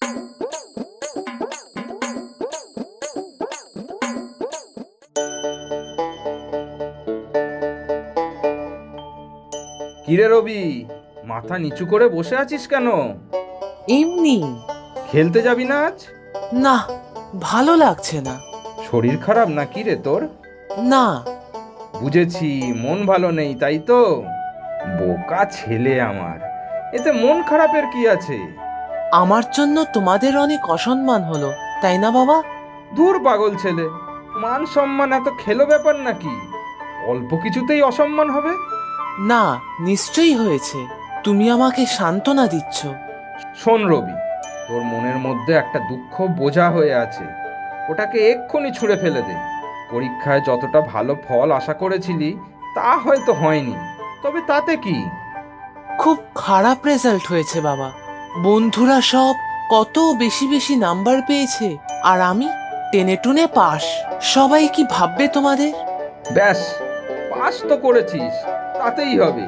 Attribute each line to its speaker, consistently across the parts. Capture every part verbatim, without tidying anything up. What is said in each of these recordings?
Speaker 1: কিরে রবি, মাথা নিচু করে বসে আছিস কেন?
Speaker 2: এমনি।
Speaker 1: খেলতে যাবি না আজ?
Speaker 2: না, ভালো লাগছে না।
Speaker 1: শরীর খারাপ নাকি রে তোর?
Speaker 2: না।
Speaker 1: বুঝেছি, মন ভালো নেই তাই তো। বোকা ছেলে আমার, এতে মন খারাপের কি আছে?
Speaker 2: আমার জন্য তোমাদের অনেক অসম্মান হলো, তাই না বাবা?
Speaker 1: দূর পাগল ছেলে, মান সম্মান এত খেলো ব্যাপার নাকি? অল্প কিছুতেই অসম্মান হবে?
Speaker 2: না, নিশ্চয়ই হয়েছে। তুমি আমাকে সান্ত্বনা দিচ্ছ।
Speaker 1: শোন রবি, তোর মনের মধ্যে একটা দুঃখ বোঝা হয়ে আছে, ওটাকে এক্ষুনি ছুঁড়ে ফেলে দে। পরীক্ষায় যতটা ভালো ফল আশা করেছিলি তা হয়তো হয়নি, তবে তাতে কি?
Speaker 2: খুব খারাপ রেজাল্ট হয়েছে বাবা। বন্ধুরা সব কত বেশি বেশি নাম্বার পেয়েছে, আর আমি টেনে টুনে পাস। সবাই কি ভাববে তোমাদের?
Speaker 1: ব্যাস, পাস তো করেছিস, তাতেই হবে।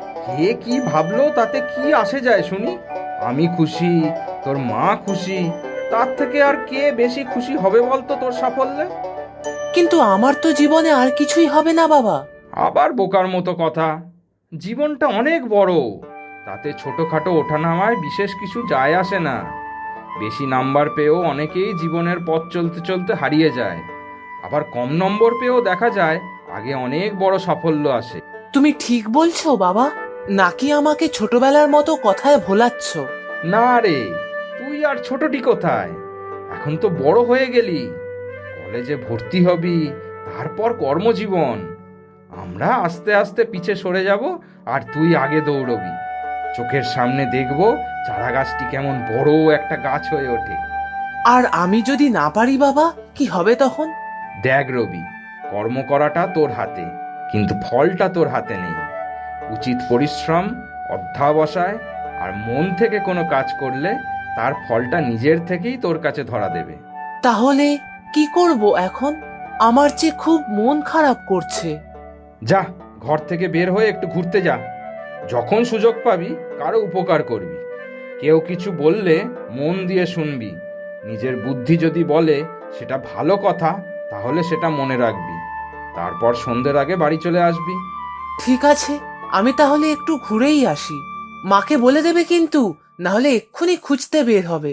Speaker 1: কে কি ভাবলো তাতে কি আসে যায় শুনি? আমি খুশি, তোর মা খুশি, তার থেকে আর কে বেশি খুশি হবে বলতো তোর সাফল্যে?
Speaker 2: কিন্তু আমার তো জীবনে আর কিছুই হবে না বাবা।
Speaker 1: আবার বোকার মতো কথা। জীবনটা অনেক বড়, তাতে ছোটখাটো ওঠানামায় বিশেষ কিছু যায় আসে না। বেশি নাম্বার পেয়েও অনেকেই জীবনের পথ চলতে চলতে হারিয়ে যায়, আবার কম নম্বর পেয়েও দেখা যায় আগে অনেক বড় সাফল্য আসে।
Speaker 2: তুমি ঠিক বলছো বাবা, নাকি আমাকে ছোটবেলার মতো কথায় ভোলাচ্ছ?
Speaker 1: না রে, তুই আর ছোটটি কোথায়, এখন তো বড় হয়ে গেলি। কলেজে ভর্তি হবি, তারপর কর্মজীবন। আমরা আস্তে আস্তে পিছে সরে যাব, আর তুই আগে দৌড়বি। চোখের সামনে দেখব চারা গাছটি কেমন বড় একটা গাছ হয়ে ওঠে।
Speaker 2: আর আমি যদি না পারি বাবা, কি হবে তখন?
Speaker 1: দেখ রবি, কর্ম করাটা তোর হাতে, কিন্তু ফলটা তোর হাতে নেই। উচিত পরিশ্রম, অধ্যবসায় আর মন থেকে কোনো কাজ করলে তার ফলটা নিজের থেকেই তোর কাছে ধরা দেবে।
Speaker 2: তাহলে কি করব এখন? আমার যে খুব মন খারাপ করছে।
Speaker 1: যা, ঘর থেকে বের হয়ে একটু ঘুরতে যা। যখন সুযোগ পাবি কারো উপকার করবি। কেউ কিছু বললে মন দিয়ে শুনবি। নিজের বুদ্ধি যদি বলে সেটা ভালো কথা, তাহলে সেটা মনে রাখবি। তারপর সন্ধ্যের আগে বাড়ি চলে আসবি।
Speaker 2: ঠিক আছে, আমি তাহলে একটু ঘুরেই আসি। মাকে বলে দেবে কিন্তু, না হলে এক্ষুনি খুঁজতে বের হবে।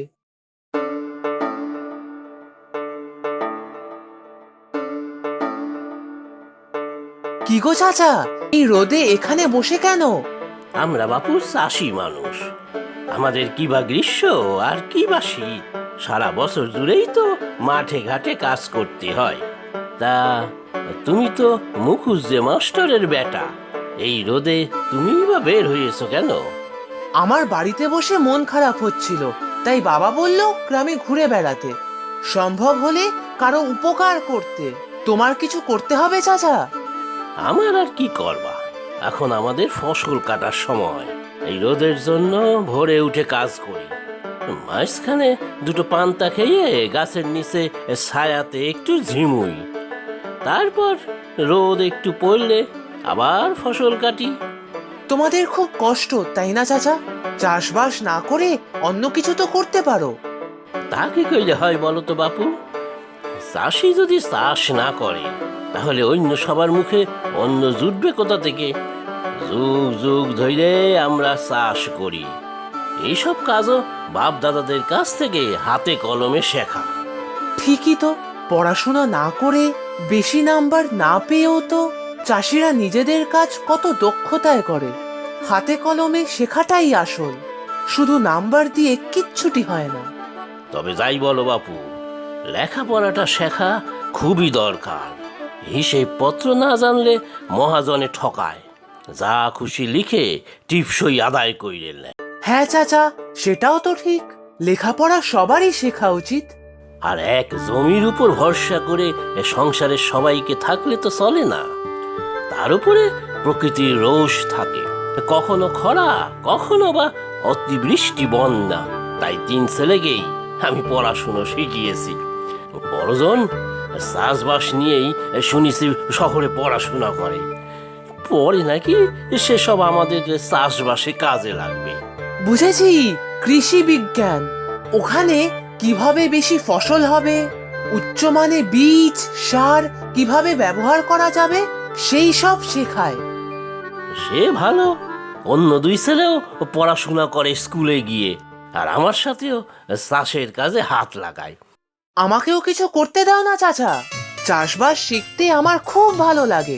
Speaker 2: কি গো চাচা, এই রোদে এখানে বসে কেন?
Speaker 3: আমরা বাপু চাষি মানুষ, আমাদের কি বা গ্রীষ্ম আর কি বা শীত, সারা বছর জুড়েই তো মাঠে ঘাটে কাজ করতে হয়। তা তুমি তো মুখুজ্জে মাস্টারের বেটা, এই রোদে তুমি বা বের হয়েছো কেন?
Speaker 2: আমার বাড়িতে বসে মন খারাপ হচ্ছিল, তাই বাবা বলল গ্রামে ঘুরে বেড়াতে, সম্ভব হলে কারো উপকার করতে। তোমার কিছু করতে হবে চাচা।
Speaker 3: আমার আর কি করবা, এখন আমাদের ফসল কাটার সময়। এই রোদের জন্য ভোরে উঠে কাজ করি, মাঝখানে দুটো পান্তা খেয়ে গাছের নিচে ছায়াতে একটু ঝিমুই, তারপর রোদ একটু পড়লে আবার ফসল কাটি।
Speaker 2: তোমাদের খুব কষ্ট তাই না চাচা? চাষবাস না করে অন্য কিছু তো করতে পারো।
Speaker 3: তাকে কইলে হয় বলো তো বাপু? চাষি যদি চাষ না করে তাহলে অন্য সবার মুখে অন্য জুটবে কোথা থেকে? যুগ যুগ ধরে আমরা চাষ করি, এইসব কাজও বাপ দাদাদের কাছ থেকে হাতে কলমে শেখা।
Speaker 2: ঠিকই তো, পড়াশোনা না করে বেশি নাম্বার না পেয়েও তো চাষিরা নিজেদের কাজ কত দক্ষতায় করে। হাতে কলমে শেখাটাই আসল, শুধু নাম্বার দিয়ে কিচ্ছুটি হয় না।
Speaker 3: তবে যাই বলো বাপু, লেখাপড়াটা শেখা খুবই দরকার। হিসেব পত্র না জানলে মহাজনে ঠকায়, যা খুশি লিখে টিপসই আদায় কইরে নেয়।
Speaker 2: হ্যাঁ চাচা, সেটাও তো ঠিক। লেখাপড়া সবারই শেখা উচিত।
Speaker 3: আর এক জমির উপর ভরসা করে এ সংসারের সবাইকে থাকলে তো চলে না। তার উপরে প্রকৃতির রোষ থাকে, কখনো খরা, কখনো বা অতিবৃষ্টি বন্যা। তাই তিন ছেলেকেই আমি পড়াশুনো শিখিয়েছি। বড়জন চাষবাস নিয়েই শুনেছি শহরে পড়াশোনা করে, পরে নাকি সেসব আমাদের চাষবাসে কাজে লাগবে।
Speaker 2: বুঝেছি, কৃষি বিজ্ঞান। ওখানে কিভাবে বেশি ফসল হবে, উচ্চমানে বীজ সার কিভাবে ব্যবহার করা যাবে সেই সব শেখায়।
Speaker 3: সে ভালো, অন্য দুই ছেলেও পড়াশোনা করে স্কুলে গিয়ে, আর আমার সাথেও চাষের কাজে হাত লাগায়।
Speaker 2: আমাকেও কিছু করতে দাও না চাচা, চাষবাস শিখতে আমার খুব ভালো লাগে।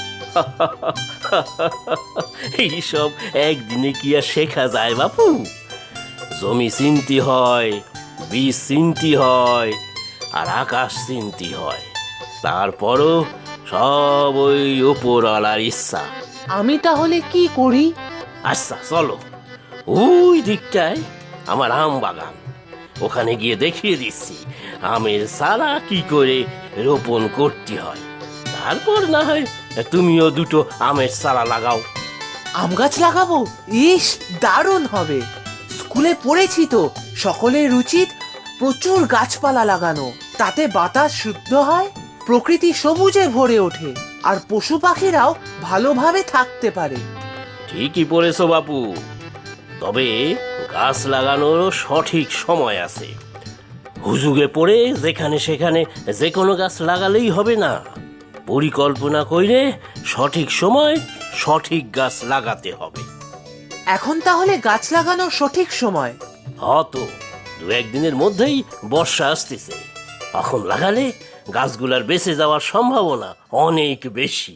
Speaker 3: এইসব একদিনে কি আর শেখা যায় বাপু? জমি চিনতে হয়, বীজ চিনতে হয়, আর আকাশ চিনতে হয়। তারপরও সব ওই ওপরওয়ালার ইচ্ছা।
Speaker 2: আমি তাহলে কি করি?
Speaker 3: আচ্ছা চলো, ওই দিকটায় আমার আম বাগান, ওখানে গিয়ে দেখিয়ে দিচ্ছি আমের চারা কি করে রোপণ করতে হয়। তারপর না হয় তুমিও দুটো আমের চারা লাগাও।
Speaker 2: আম গাছ লাগাবো? ইস, দারুণ হবে। স্কুলে পড়েছি তো সকলের উচিত প্রচুর গাছপালা লাগানো, তাতে বাতাস শুদ্ধ হয়, প্রকৃতি সবুজে ভরে ওঠে, আর পশু পাখিরাও ভালোভাবে থাকতে পারে।
Speaker 3: ঠিকই পড়েছো বাপু, তবে গাছ লাগানোরও সঠিক সময় আছে। হুজুগে পড়ে যেখানে সেখানে যে কোনো গাছ লাগালেই হবে না। পরিকল্পনা করে সঠিক সময় সঠিক গাছ লাগাতে হবে।
Speaker 2: এখন তাহলে গাছ লাগানোর সঠিক সময়?
Speaker 3: হয়তো দু একদিনের মধ্যেই বর্ষা আসতেছে, এখন লাগালে গাছগুলার বেঁচে যাওয়ার সম্ভাবনা অনেক বেশি।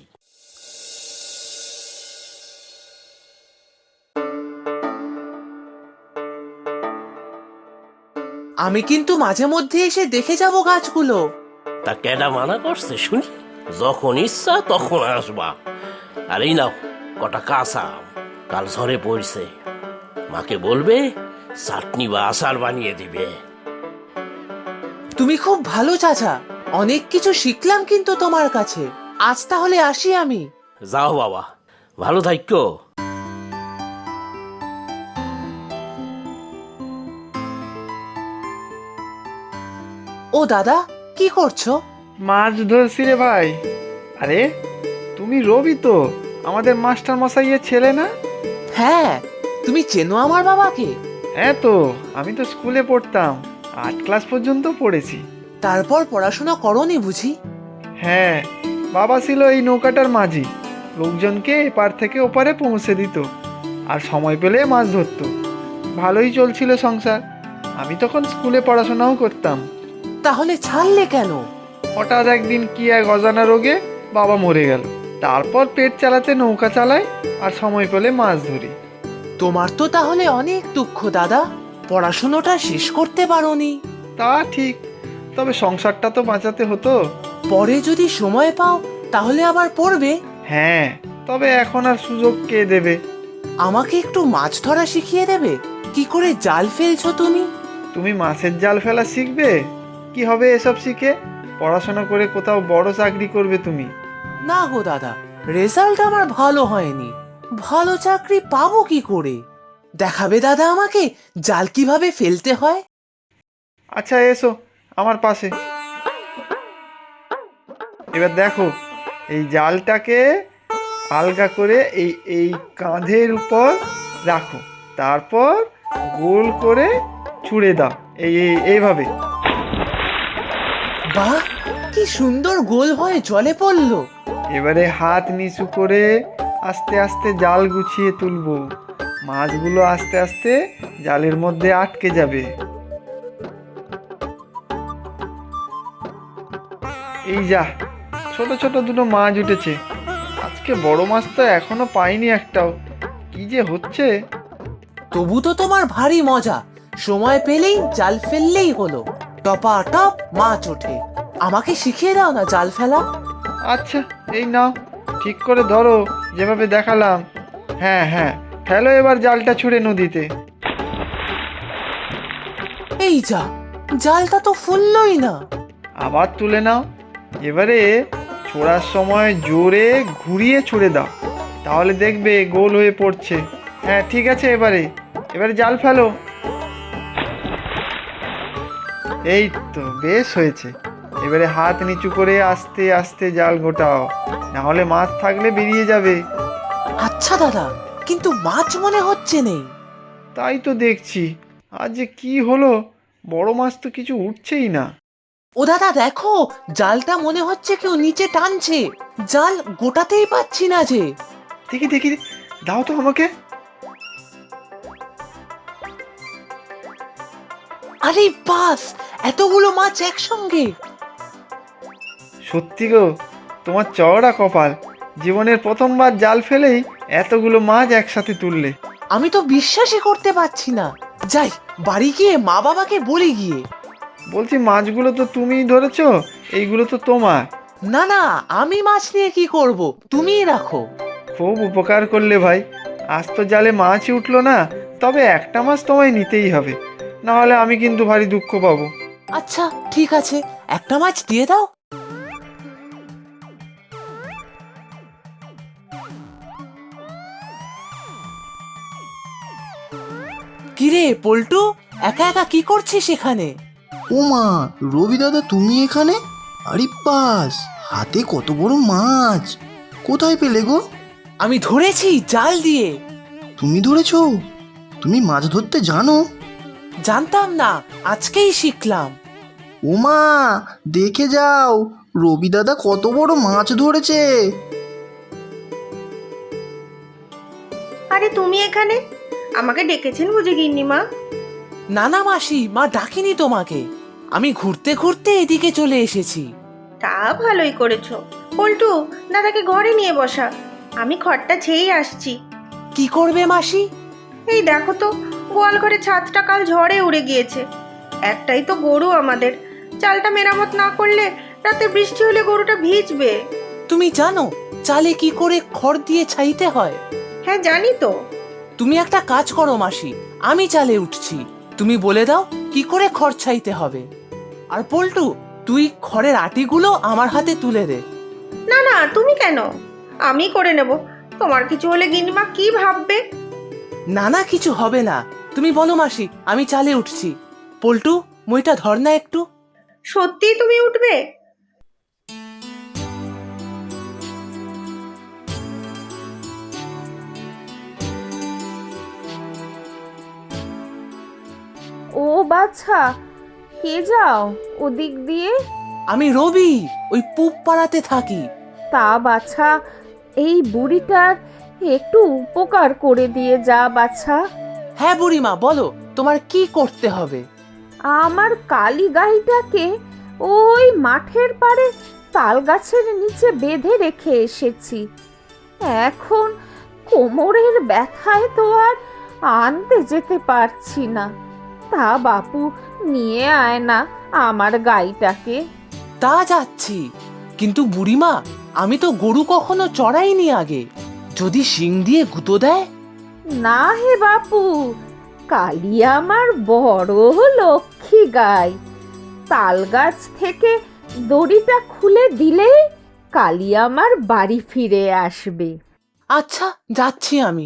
Speaker 2: আমি কিন্তু মাঝে মধ্যে এসে দেখে যাব গাছগুলো।
Speaker 3: তা কেডা মানা করছে শুনি? যখন ইচ্ছা তখন আসবা। আর এই নাও কটা কাঁচা আম, কাল ঝড়ে পড়ছে, মাকে বলবে চাটনি বা আচার বানিয়ে দিবে।
Speaker 2: তুমি খুব ভালো চাচা, অনেক কিছু শিখলাম কিন্তু তোমার কাছে। আজ তাহলে আসি আমি।
Speaker 3: যাও বাবা, ভালো থাইকো।
Speaker 2: ও দাদা, কি করছো?
Speaker 4: মাছ ধরছি রে ভাই। আরে তুমি রবি তো, আমাদের মাস্টার মশাইয়ের ছেলে না?
Speaker 2: হ্যাঁ, তুমি চেনো আমার বাবাকে?
Speaker 4: হ্যাঁ তো, আমি তো স্কুলে পড়তাম, আট ক্লাস পর্যন্ত পড়েছি।
Speaker 2: তারপর পড়াশোনা করনি বুঝি?
Speaker 4: হ্যাঁ, বাবা ছিল এই নৌকাটার মাঝি, লোকজনকে এপার থেকে ওপারে পৌঁছে দিত, আর সময় পেলে মাছ ধরতো। ভালোই চলছিল সংসার। আমি তখন স্কুলে পড়াশোনাও করতাম।
Speaker 2: তাহলে ছাড়লে কেন?
Speaker 4: হঠাৎ একদিন কি এক অজানা রোগে বাবা মরে গেল। তারপর পেট চালাতে নৌকা চালাই, আর সময় পেলে মাছ ধরি।
Speaker 2: তোমার তো তাহলে অনেক দুঃখ দাদা, পড়াশোনাটা শেষ করতে পারোনি।
Speaker 4: তা ঠিক, তবে সংসারটা তো বাঁচাতে হতো।
Speaker 2: পরে যদি সময় পাও তাহলে আবার পড়বে।
Speaker 4: হ্যাঁ, তবে এখন আর সুযোগ কে দেবে?
Speaker 2: আমাকে একটু মাছ ধরা শিখিয়ে দেবে? কি করে জাল ফেলছো তুমি?
Speaker 4: তুমি মাছের জাল ফেলা শিখবে? কি হবে এসব শিখে? পড়াশোনা করে কোথাও বড় চাকরি করবে তুমি।
Speaker 2: না গো দাদা, রেজাল্ট আমার ভালো হয়নি, ভালো চাকরি পাবো কি করে? দেখাবে দাদা আমাকে জাল কিভাবে ফেলতে হয়?
Speaker 4: আচ্ছা এসো আমার পাশে। এবার দেখো, এই জালটাকে আলগা করে এই এই কাঁধের উপর রাখো, তারপর গোল করে ছুঁড়ে দাও, এই এই- এইভাবে।
Speaker 2: বাহ, কি সুন্দর গোল হয়ে জলে পড়লো।
Speaker 4: এবারে হাত নিচু করে আস্তে আস্তে জাল গুছিয়ে তুলবো। মাছগুলো আস্তে আস্তে জালের মধ্যে আটকে যাবে। এই যা, ছোট ছোট দুটো মাছ উঠেছে। আজকে বড় মাছ তো এখনো পাইনি একটাও। কি যে হচ্ছে!
Speaker 2: তবু তো তোমার ভারী মজা, সময় পেলেই জাল ফেললেই হলো, টপা টপ মাছ ওঠে। আমাকে শিখিয়ে দাও না জাল ফেলা।
Speaker 4: আচ্ছা এই নাও, ঠিক করে ধরো যেভাবে দেখালাম। হ্যাঁ হ্যাঁ, ফেলো এবার জালটা ছুঁড়ে নদীতে।
Speaker 2: এই যা, জালটা তো ফুললই না।
Speaker 4: আবার তুলে নাও। এবারে ছোড়ার সময় জোরে ঘুরিয়ে ছুঁড়ে দাও, তাহলে দেখবে গোল হয়ে পড়ছে। হ্যাঁ ঠিক আছে, এবারে এবারে জাল ফেলো। এই তো বেশ হয়েছে। এবারে হাত নিচু করে আস্তে আস্তে জাল গোটাও, না হলে মাছ থাকলে বেরিয়ে যাবে।
Speaker 2: আচ্ছা দাদা, কিন্তু মাছ মনে হচ্ছে নেই।
Speaker 4: তাই তো দেখছি, আজ যে কি হলো, বড় মাছ তো কিছু উঠছেই না।
Speaker 2: ও দাদা দেখো, জালটা মনে হচ্ছে কেউ নিচে টানছে। জাল গোটাতেই পাচ্ছি না যে।
Speaker 4: দেখি দেখি, দাও তো আমাকে।
Speaker 2: আরে বাস, এতগুলো মাছ একসঙ্গে!
Speaker 4: সত্যি গো, তোমার চওড়া কপাল, জীবনের প্রথমবার জাল ফেলেই এতগুলো মাছ একসাথে তুললে।
Speaker 2: আমি তো বিশ্বাসই করতে পারছি না। যাই, বাড়ি গিয়ে মা বাবাকে বলি গিয়ে।
Speaker 4: বলছি, মাছগুলো তো তুমিই ধরেছো, এইগুলো তো তোমার।
Speaker 2: না না, আমি মাছ নিয়ে কি করব, তুমিই রাখো।
Speaker 4: খুব উপকার করলে ভাই। আজ তো জালে মাছই উঠলো না, তবে একটা মাছ তোমায় নিতেই হবে, না হলে আমি কিন্তু ভারী দুঃখ পাবো।
Speaker 2: আচ্ছা ঠিক আছে, একটা মাছ দিয়ে দাও। কিরে পল্টু, একা একা কি করছিস এখানে?
Speaker 5: ও মা, রবি দাদা তুমি এখানে? আরে বাস, হাতে কত বড় মাছ! কোথায় পেলে গো?
Speaker 2: আমি ধরেছি জাল দিয়ে।
Speaker 5: তুমি ধরেছো? তুমি মাছ ধরতে জানো?
Speaker 2: জানতাম না, আজকেই শিখলাম।
Speaker 5: ও মা, দেখে যাও, রবি দাদা কত বড় মাছ ধরেছে!
Speaker 6: আরে তুমি এখানে? আমাকে ডেকেছেন বুঝি গিন্নিমা?
Speaker 2: না না মাসি, মা ডাকিনি তোমাকে। আমি ঘুরতে ঘুরতে এদিকে চলে এসেছি।
Speaker 6: তা ভালোই করেছো। পল্টু, দাদাকে ঘরে নিয়ে বসা, আমি খড়টা ছেয়েই আসছি।
Speaker 2: কি করবে মাসি?
Speaker 6: এই দেখো তো, গোয়াল ঘরে ছাদটা কাল ঝড়ে উড়ে গিয়েছে। একটাই তো গরু আমাদের, চালটা মেরামত না করলে রাতে বৃষ্টি হলে গরুটা ভিজবে।
Speaker 2: তুমি জানো চালে কি করে খড় দিয়ে ছাইতে হয়?
Speaker 6: হ্যাঁ জানি তো।
Speaker 2: তুমি একটা কাজ করো মাসি, আমি চালে উঠছি, তুমি বলে দাও কি করে খড় ছাইতে হবে। আর পল্টু, তুই খড়ের আটিগুলো আমার হাতে তুলে দে।
Speaker 6: না না, তুমি কেন? আমি করে নেব। তোমার কিছু হলে গিন্নিমা কি ভাববে?
Speaker 2: না না, কিছু হবে না, তুমি বলো মাসি, আমি চালে উঠছি। পল্টু, মইটা ধর না একটু।
Speaker 6: সত্যিই তুমি উঠবে?
Speaker 7: ও বাছা, কে যাও ওদিক দিয়ে?
Speaker 2: আমি রবি, ওই পুব পাড়াতে থাকি।
Speaker 7: তা বাছা, এই বুড়িটার একটু উপকার করে দিয়ে যা বাছা।
Speaker 2: হ্যাঁ বুড়িমা, বলো তোমার কি করতে হবে?
Speaker 7: আমার কালী গাইটাকে ওই মাঠের পাড়ে তাল গাছের নিচে বেঁধে রেখে এসেছি। এখন কোমরের ব্যথায় তো আর আনতে যেতে পারছি না। তা বাপু, নিয়ে আয় না আমার গাইটাকে।
Speaker 2: তা যাচ্ছি, কিন্তু বুড়িমা, আমি তো গরু কখনো চড়াইনি আগে, যদি শিং দিয়ে গুঁতো দেয়?
Speaker 7: না হে বাপু, কালী আমার বড় লক্ষ্মী গাই। তাল গাছ থেকে দড়িটা খুলে দিলেই কালী আমার বাড়ি ফিরে আসবে।
Speaker 2: আচ্ছা, যাচ্ছি আমি।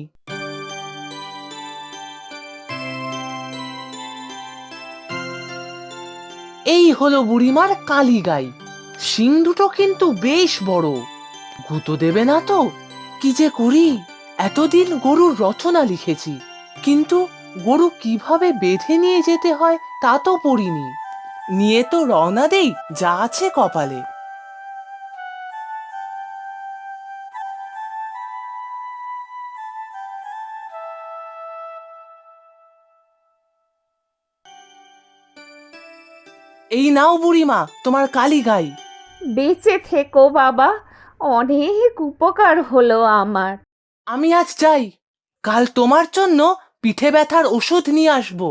Speaker 2: এই হলো বুড়িমার কালী গাই। শিং দুটো কিন্তু বেশ বড়। গুঁতো দেবে না তো? কি যে করি, এতদিন গরুর রচনা লিখেছি, কিন্তু গরু কিভাবে বেঁধে নিয়ে যেতে হয় তা তো পড়িনি। নিয়ে তো রওনা দেই, যা আছে কপালে। এই নাও বুড়িমা, তোমার কালী গাই।
Speaker 7: বেঁচে থেকো বাবা, অনেক উপকার হলো আমার।
Speaker 2: আমি আজ যাই, কাল তোমার জন্য পিঠে ব্যথার ওষুধ নিয়ে আসবো।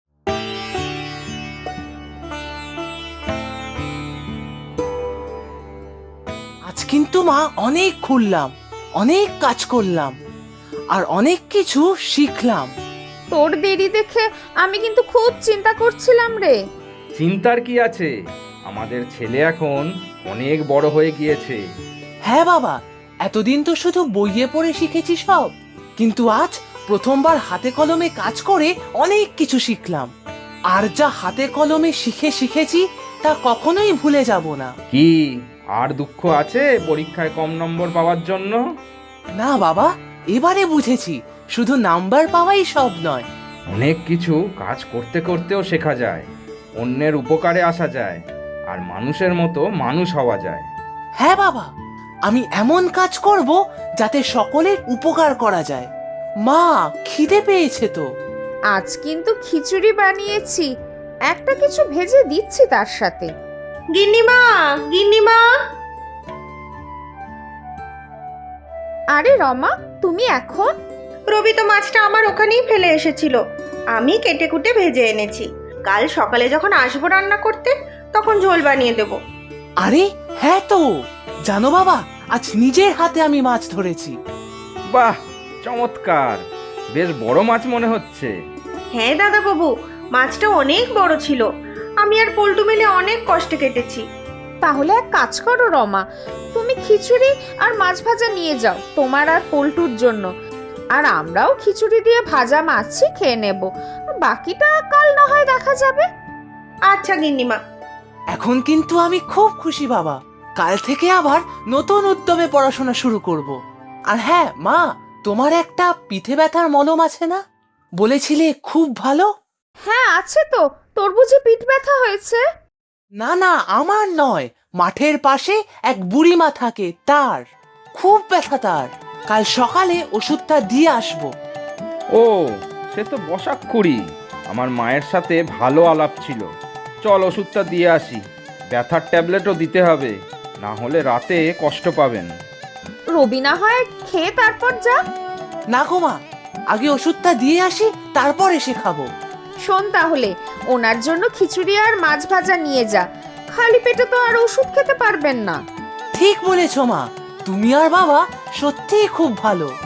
Speaker 2: আজ কিন্তু মা অনেক ঘুরলাম, অনেক কাজ করলাম, আর অনেক কিছু শিখলাম।
Speaker 7: তোর দেরি দেখে আমি কিন্তু খুব চিন্তা করছিলাম রে।
Speaker 1: চিন্তার কি আছে, আমাদের ছেলে এখন অনেক বড় হয়ে গিয়েছে।
Speaker 2: হ্যাঁ বাবা, এতদিন তো শুধু বইয়ে পড়ে শিখেছি সব, কিন্তু আজ প্রথমবার হাতে কলমে কাজ করে অনেক কিছু শিখলাম। আর যা হাতে কলমে শিখে শিখেছি তা কখনোই ভুলে যাব না।
Speaker 1: কি আর দুঃখ আছে পরীক্ষায় কম নম্বর পাওয়ার জন্য?
Speaker 2: না বাবা, এবারে বুঝেছি শুধু নাম্বার পাওয়াই সব নয়।
Speaker 1: অনেক কিছু কাজ করতে করতেও শেখা যায়। অন্যের উপকারে আসা যায় আর মানুষের মতো মানুষ হওয়া যায়।
Speaker 2: হ্যাঁ বাবা, আমি এমন কাজ করব যাতে সকলের উপকার করা যায়। মা, খিদে পেয়েছে তো।
Speaker 7: আজ কিন্তু খিচুড়ি বানিয়েছি, একটা কিছু ভেজে দিচ্ছি তার সাথে।
Speaker 6: গিন্নিমা, গিন্নিমা।
Speaker 7: আরে রমা, তুমি এখন?
Speaker 6: রবি তো মাছটা আমার ওখানেই ফেলে এসেছিল, আমি কেটে কুটে ভেজে এনেছি। কাল সকালে যখন আসবো রান্না করতে তখন ঝোল বানিয়ে দেব।
Speaker 2: আরে হ্যাঁ তো, জানো বাবা, আজ নিজের হাতে আমি মাছ ধরেছি।
Speaker 1: বাহ, চমৎকার! বেশ বড় মাছ মনে হচ্ছে।
Speaker 6: হ্যাঁ দাদা বাবু, মাছটা অনেক বড় ছিল, আমি আর পল্টু মিলে অনেক কষ্টে কেটেছি।
Speaker 7: তাহলে এক কাজ করো রমা, তুমি খিচুড়ি আর মাছ ভাজা নিয়ে যাও তোমার আর পল্টুর জন্য, আর আমরাও খিচুড়ি দিয়ে ভাজা মাছই খেয়ে নেব, বাকিটা কাল না হয় দেখা যাবে।
Speaker 6: আচ্ছা গিন্নিমা।
Speaker 2: এখন কিন্তু আমি খুব খুশি বাবা, কাল থেকে আবার নতুন উদ্যমে পড়াশোনা শুরু করব। আর হ্যাঁ মা, তোমার একটা পিঠে ব্যথার মলম আছে না, বলেছিলে খুব ভালো?
Speaker 7: হ্যাঁ আছে তো, তোর বুঝি পিঠ ব্যথা হয়েছে?
Speaker 2: না না, আমার নয়, মাঠের পাশে এক বুড়িমা থাকে, তার খুব ব্যথা। তার কাল সকালে ওষুধটা দিয়ে আসবো।
Speaker 1: ও, সে তো বসাক্ষুরি। আমার মায়ের সাথে ভালো আলাপ ছিল। চল ওষুধটা দিয়ে আসি, ব্যথার ট্যাবলেটও দিতে হবে, না হলে রাতে কষ্ট পাবেন।
Speaker 7: রবি না হয় খেয়ে তারপর যা।
Speaker 2: না গো মা, আগে ওষুধটা দিয়ে আসি, তারপর এসে খাবো।
Speaker 7: শোন তাহলে, ওনার জন্য খিচুড়ি আর মাছ ভাজা নিয়ে যা, খালি পেটে তো আর ওষুধ খেতে পারবেন না।
Speaker 2: ঠিক বলেছো মা, তুমি আর বাবা সত্যিই খুব ভালো।